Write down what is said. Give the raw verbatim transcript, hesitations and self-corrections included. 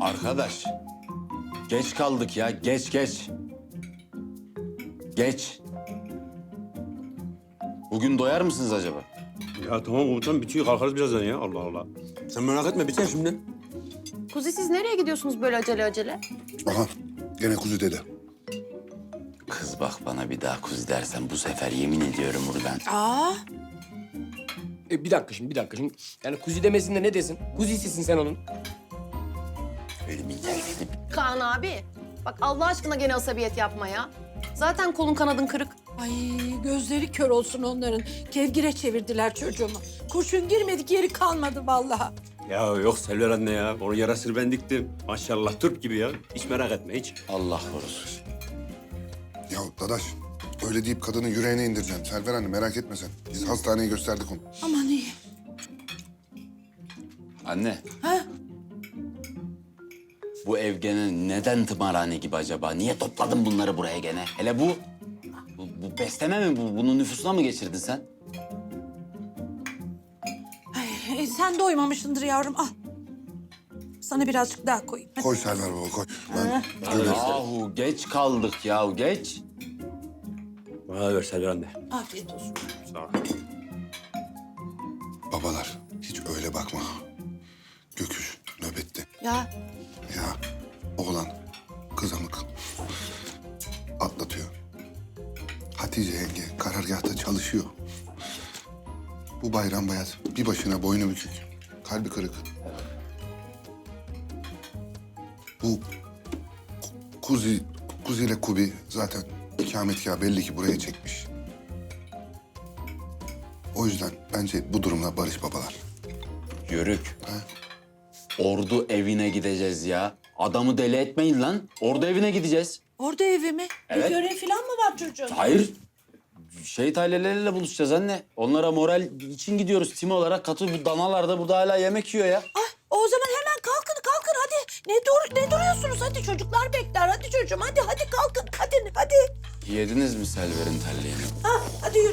Arkadaş, geç kaldık ya, geç geç. Geç. Bugün doyar mısınız acaba? Ya tamam komutanım bitiyor kalkarız birazdan ya Allah Allah. Sen merak etme biter şimdi. Kuzi siz nereye gidiyorsunuz böyle acele acele? Aha gene kuzu dede. Kız bak bana bir daha kuzi dersen bu sefer yemin ediyorum buradan. Aa, E, bir dakika şimdi, bir dakika şimdi. Yani kuzi demesin de ne desin? Kuzisisin sen onun. Ölümün terfini. Kaan abi. Bak Allah aşkına gene asabiyet yapma ya. Zaten kolun kanadın kırık. ay gözleri kör olsun onların. Kevgire çevirdiler çocuğumu. Kurşun girmedik yeri kalmadı vallahi. Ya yok Selver anne ya. Onun yarasını ben diktim. Maşallah Türk gibi ya. Hiç merak etme hiç. Allah korusun. Ya dadaş öyle deyip kadının yüreğine indireceksin. Selver anne merak etme sen. Biz hastaneyi gösterdik onu. Aman iyi. Anne, Ha? bu ev gene neden tımarhane gibi acaba? Niye topladın bunları buraya gene? Hele bu, bu, bu besleme mi bu? Bunun nüfusuna mı geçirdin sen? Ay, e, sen doymamışsındır yavrum al. Sana birazcık daha koyayım. Hadi. Koy Selver baba koy. Ben öyle... Yahu geç kaldık ya, geç. Bana da ver Selver anne. Afiyet olsun. Sağ ol. Babalar hiç öyle bakma. Göküş nöbette. Ya Ya oğlan kızamık atlatıyor. Hatice yenge karargahta çalışıyor. Bu Bayram Bayat bir başına boynu bükük. Kalbi kırık. Bu Ku- Kuzi, Kuzi ile Kubi zaten ikametgahı belli ki buraya çekmiş. O yüzden bence bu durumla barış babalar. Yörük. Ha? Ordu evine gideceğiz ya. Adamı deli etmeyin lan. Ordu evine gideceğiz. orada evi mi? Evet. Bir görev falan mı var çocuğun? Hayır. Şehit aileleriyle buluşacağız anne. Onlara moral için gidiyoruz tim olarak. Katı bu danalar da burada hala yemek yiyor ya. Ay, o zaman hemen kalkın kalkın hadi. Ne dur ne duruyorsunuz hadi çocuklar bekler hadi çocuğum hadi hadi kalkın hadi hadi. Yediniz mi Selver'in telliğini? Ha, hadi yürü.